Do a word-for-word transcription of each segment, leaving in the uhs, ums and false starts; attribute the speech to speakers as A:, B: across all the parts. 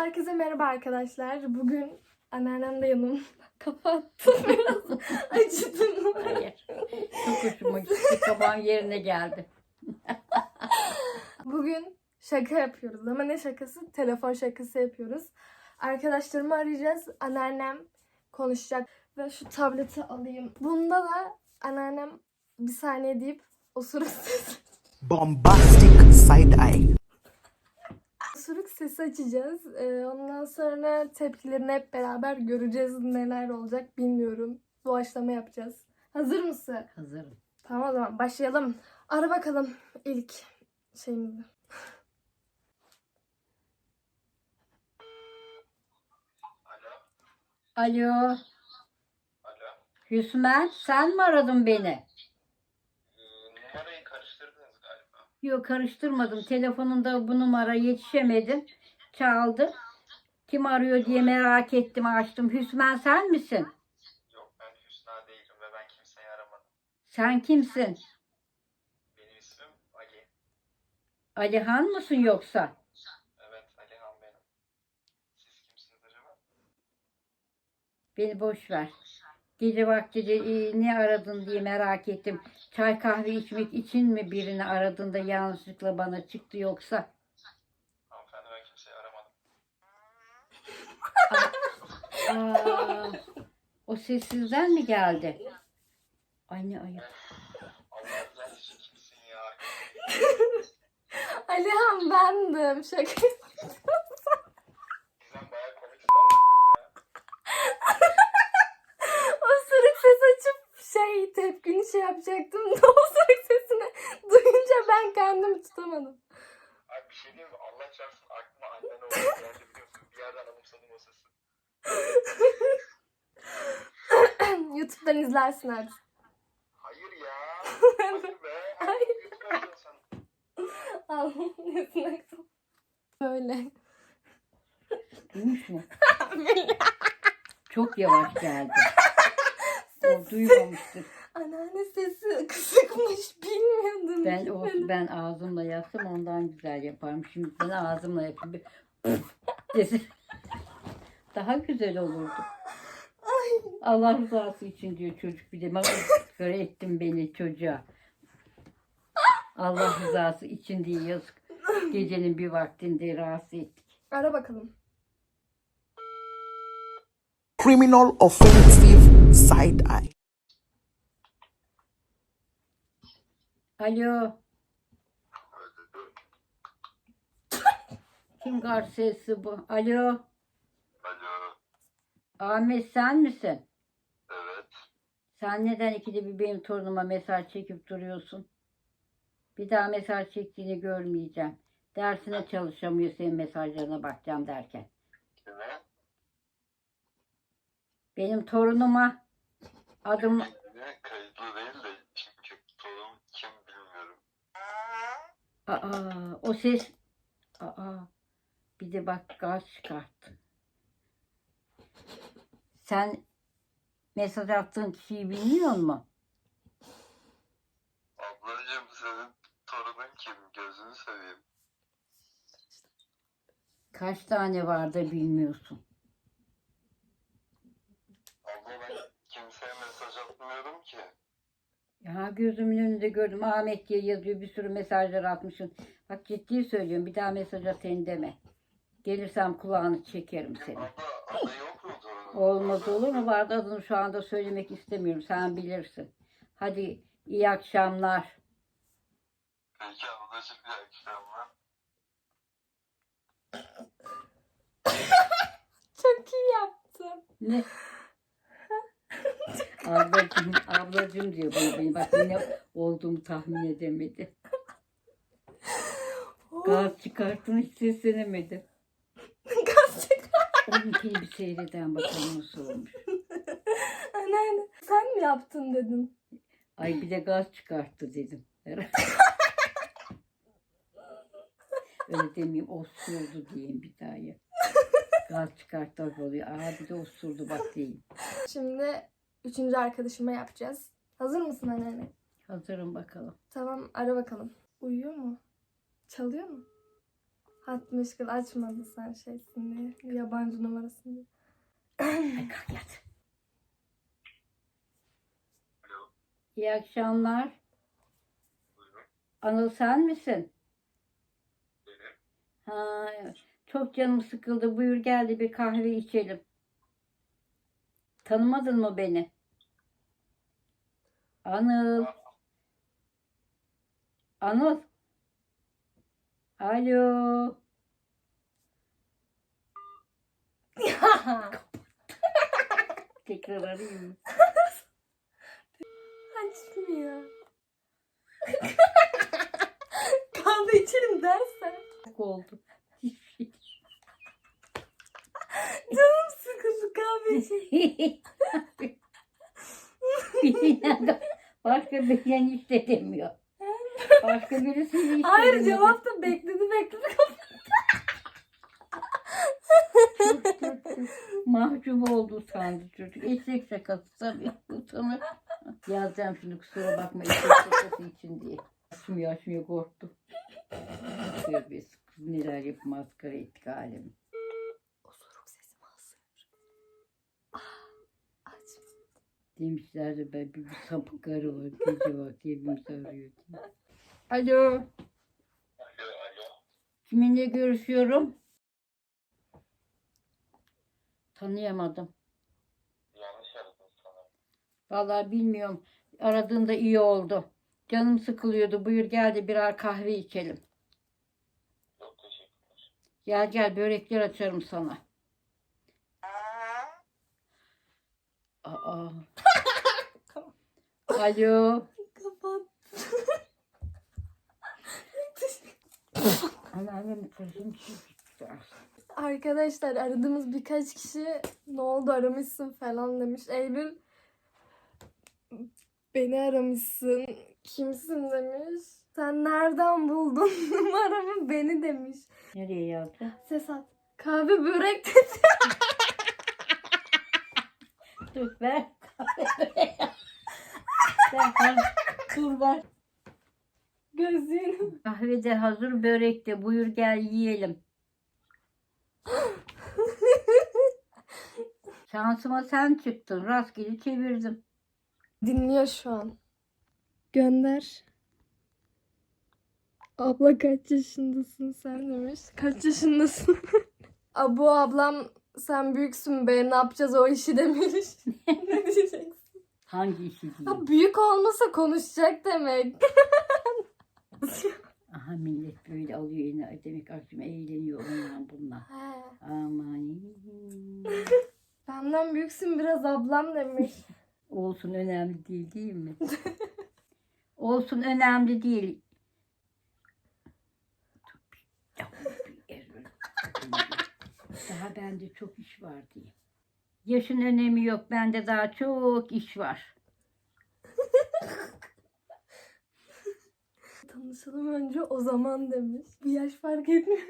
A: Herkese merhaba arkadaşlar. Bugün anneannem de yanımda. Kafa attım biraz. Acıdım.
B: Hayır. Çok hoşuma gitti. Kabağın yerine geldi.
A: Bugün şaka yapıyoruz ama ne şakası? Telefon şakası yapıyoruz. Arkadaşlarımı arayacağız. Anneannem konuşacak. Ve şu tableti alayım. Bunda da anneannem bir saniye deyip osuruk sesi.
C: Bombastic side eye.
A: Osuruk sesi açacağız. Ee, ondan sonra tepkilerini hep beraber göreceğiz. Neler olacak bilmiyorum. Doğaçlama yapacağız. Hazır mısın?
B: Hazırım.
A: Tamam o zaman başlayalım. Ara bakalım ilk şeyimizi.
B: Alo.
D: Alo.
B: Hüsmen, sen mi aradın beni?
D: Ee, numarayı karıştırdınız galiba.
B: Yok, karıştırmadım. Telefonunda bu numara yetişemedim. Çaldı. Kim arıyor diye merak ettim, açtım. Hüsmen, sen misin?
D: Yok, ben Hüsna değilim ve ben kimseyi aramadım.
B: Sen kimsin?
D: Benim ismim Ali.
B: Alihan mısın yoksa?
D: Evet, Alihan benim. Siz kimsiniz acaba?
B: Beni boş ver. Gece vakti e, ne aradın diye merak ettim. Çay kahve içmek için mi birini aradın da yanlışlıkla bana çıktı yoksa?
D: Hanımefendi, ben kimseyi aramadım.
B: Aa, o sessizden mi geldi? Ay ne ayıp.
D: Allah rızası için kimsin ya?
A: Alihan bendim. Şaka.
D: Bizden bayağı komik sanırım ya.
A: Osuruk ses açıp şey tepkini şey yapacaktım. Osuruk sesini duyunca ben kendimi tutamadım.
D: Abi bir şey diyeyim mi? Allah çarpsın, aklıma annen oldu geldi, biliyorsun. Bir yerden anımsadım o sesi.
A: YouTube'dan izlersin artık.
D: Hayır ya. Hayır be.
A: Hayır.
D: Lütfen sen.
A: Anlıyorsun. Böyle.
B: Duymuş mu? Çok yavaş geldi. O duymamıştır.
A: Anneanne sesi kısıkmış. Bilmiyordum.
B: Ben olsun, ben ağzımla yapsam ondan güzel yaparım. Şimdi ben ağzımla yapayım. Bir desin. Daha güzel olurdu. Allah rızası için diyor çocuk, bir de göre ettin beni çocuğa. Allah rızası için diye yazık. Gecenin bir vaktinde rahatsız ettik.
A: Ara bakalım.
C: Criminal offensive side eye.
B: Alo. Kim garsesi bu? Alo.
D: Alo.
B: Ahmet, sen misin?
D: Evet.
B: Sen neden ikide bir benim torunuma mesaj çekip duruyorsun? Bir daha mesaj çektiğini görmeyeceğim. Dersine çalışamıyor, senin mesajlarına bakacağım derken.
D: Kime?
B: Benim torunuma adım...
D: Ne? Kayıtlı değil de çünkü torun kim bilmiyorum.
B: Aa, o ses... Aa, bir de bak gaz çıkarttı. Sen mesaj attığın kişiyi bilmiyor musun?
D: Ablacığım, senin torunun kim? Gözünü seveyim.
B: Kaç tane var da bilmiyorsun.
D: Abla, ben kimseye mesaj atmıyorum ki.
B: Ya gözümün önünde gördüm. Ahmet diye yazıyor. Bir sürü mesajlar atmışsın. Bak ciddi söylüyorum. Bir daha mesaj atayım deme. Gelirsem kulağını çekerim seni.
D: Abla, adı yok mu torunun?
B: Olmaz olur mu? Vardı, adını şu anda söylemek istemiyorum. Sen bilirsin. Hadi iyi akşamlar.
D: Peki ablacığım, iyi akşamlar.
A: Çok iyi yaptın.
B: Ne? Ablacım, ablacım diyor bana beni. Bak yine olduğumu tahmin edemedi. Gaz çıkarttın, hiç seslenemedi.
A: Gaz çıkar.
B: Onun bir seyreden bakalım nasıl olmuş.
A: Anneanne sen mi yaptın dedim.
B: Ay bir de gaz çıkarttı dedim. Öyle demeyeyim, osurdu diyeyim bir daha ya. Gaz çıkarttı oluyor. Aa bir de osurdu bak diyeyim.
A: Şimdi üçüncü arkadaşıma yapacağız. Hazır mısın anneanne?
B: Hazırım bakalım.
A: Tamam ara bakalım. Uyuyor mu? Çalıyor mu? Hat meşgul açmadı sen şeysin diye. Yabancı numarasını diye.
B: Ay kalk yat.
D: Alo.
B: İyi akşamlar.
D: Buyurun.
B: Anıl sen misin?
D: Benim.
B: Ha, çok canım sıkıldı. Buyur gel de bir kahve içelim. Tanımadın mı beni? Anıl. Anıl. Alo. Tekrar arayayım mı?
A: Açmıyor. Kahve içelim dersen.
B: Çok oldu. Hiçbir şey.
A: Canım sıkıldı kahve içelim.
B: Birinden başka birine hiç de demiyor. Başka birisiyle hiç de
A: Hayır
B: demiyor.
A: cevap da bekledi bekledi.
B: Çok kötü. Mahcup oldu sandı çocuk. Eşek şakası tabii. Utanır. Yazacağım şimdi kusura bakma eşek şakası için diye. Açmıyor açmıyor korktu. Tövbe kız neler yapıp maskara ettik alemi.
A: Osuruk sesimi alsın. Ah, aç.
B: Demişler de ben bir, bir sapık karı var. Gece vakti hepimizi arıyor diye. Alo.
D: Alo, alo.
B: Kiminle görüşüyorum? Tanıyamadım.
D: Yanlış aradım sana.
B: Vallahi bilmiyorum. Aradığında iyi oldu. Canım sıkılıyordu. Buyur gel de birer kahve içelim.
D: Çok teşekkürler.
B: Gel gel börekler açarım sana. Aa. Alo.
A: Kapat.
B: Anneannem kızım çıktı.
A: Arkadaşlar aradığımız birkaç kişi ne oldu aramışsın falan demiş. Eylül beni aramışsın. Kimsin demiş. Sen nereden buldun numaramı beni demiş.
B: Nereye yazdı?
A: Ses at. Kahve börek dedi.
B: Dur ver. ver, ver. Dur ver.
A: Gözlüğünü.
B: Kahve de hazır, börek de. Buyur gel yiyelim. Şansıma sen çıktın. Rastgele çevirdim.
A: Dinliyor şu an. Gönder. Abla kaç yaşındasın sen demiş. Kaç yaşındasın? Abu ablam sen büyüksün be ne yapacağız o işi demiş. Ne diyeceksin?
B: Hangi işi diyeyim?
A: Ha, büyük olmasa konuşacak demek.
B: Aha millet böyle alıyor yine. Demek akşam eğleniyor onunla bununla.
A: He.
B: Aman.
A: Benden büyüksün biraz ablam demiş.
B: Olsun önemli değil değil mi? Olsun önemli değil. Daha bende çok iş var diye. Yaşın önemi yok. Bende daha çok iş var.
A: Tanışalım önce o zaman demiş. Bir yaş fark etmiyor.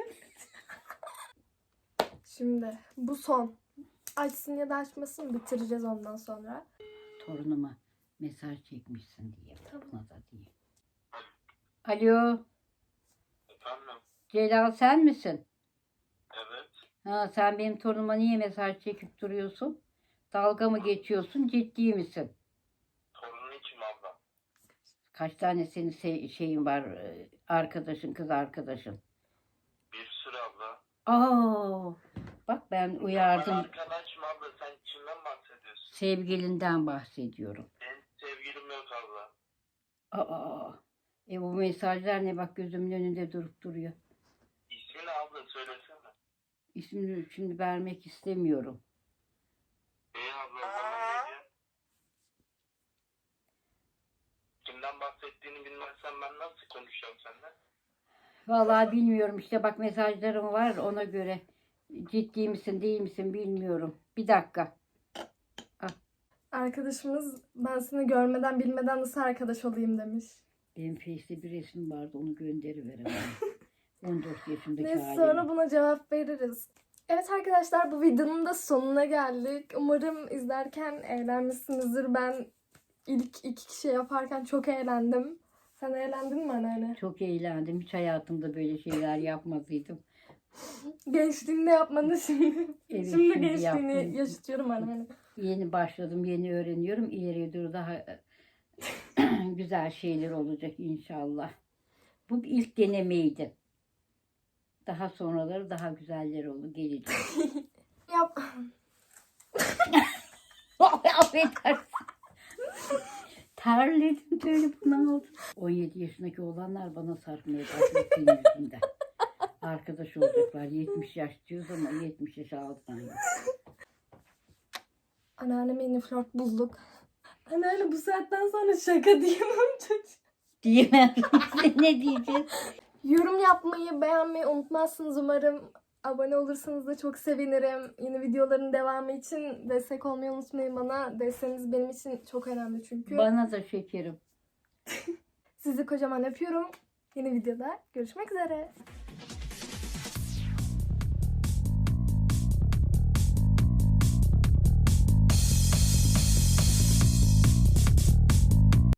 A: Şimdi bu son. Açsın ya da açmasın bitireceğiz ondan sonra.
B: Torunuma mesaj çekmişsin diye.
A: Tamam.
B: Buna da diye. Alo.
D: Efendim?
B: Celal sen misin?
D: Evet.
B: Ha, sen benim torunuma niye mesaj çekip duruyorsun? Dalga mı geçiyorsun? Ciddi misin?
D: Torunun kim abla?
B: Kaç tane senin se- şeyin var? e, Arkadaşın, kız arkadaşın.
D: Bir sürü abla.
B: Aa, bak ben
D: Ben
B: uyardım.
D: arkadaşım abla. Sen kimden bahsediyorsun?
B: Sevgilinden bahsediyorum.
D: Benim sevgilim yok abla.
B: Aa, e bu mesajlar ne bak gözümün önünde durup duruyor.
D: İsmini abla söylesene.
B: İsmini şimdi vermek istemiyorum.
D: Bey abla o zaman ne diyor? Kimden bahsettiğini bilmezsen ben nasıl konuşacağım seninle?
B: Vallahi bilmiyorum işte bak mesajlarım var ona göre. Ciddi misin değil misin bilmiyorum. Bir dakika.
A: Arkadaşımız ben seni görmeden bilmeden nasıl arkadaş olayım demiş.
B: Benim Face'te bir resim vardı onu gönderiveremem. on dört yaşındaki
A: Neyse
B: halim.
A: sonra buna cevap veririz. Evet arkadaşlar bu videonun da sonuna geldik. Umarım izlerken eğlenmişsinizdir. Ben ilk iki kişi yaparken çok eğlendim. Sen eğlendin mi anneanne?
B: Çok eğlendim. Hiç hayatımda böyle şeyler yapmadıydım.
A: Gençliğinde yapmanı şimdi.
B: Evet,
A: şimdi
B: şimdi
A: gençliğini
B: yaptım.
A: yaşatıyorum anneanne.
B: Yeni başladım, yeni öğreniyorum. İleriye doğru daha güzel şeyler olacak inşallah. Bu bir ilk denemeydi. Daha sonraları daha güzeller olur, gelecek.
A: Yap.
B: Affedersin. Terledim, telefonu aldım. on yedi yaşındaki olanlar bana sarkmaya başladı senin yüzünden. Arkadaş olacaklar. yetmiş yaş diyoruz ama yetmiş yaş altından yok.
A: Anneanneme yeni flört bulduk. Anneanne bu saatten sonra şaka diyemem çocuğa.
B: Diyemem. Ne diyeceğiz?
A: Yorum yapmayı, beğenmeyi unutmazsınız umarım. Abone olursanız da çok sevinirim. Yeni videoların devamı için destek olmayı unutmayın bana. Desteğiniz benim için çok önemli çünkü.
B: Bana da şekerim.
A: Sizi kocaman öpüyorum. Yeni videoda görüşmek üzere.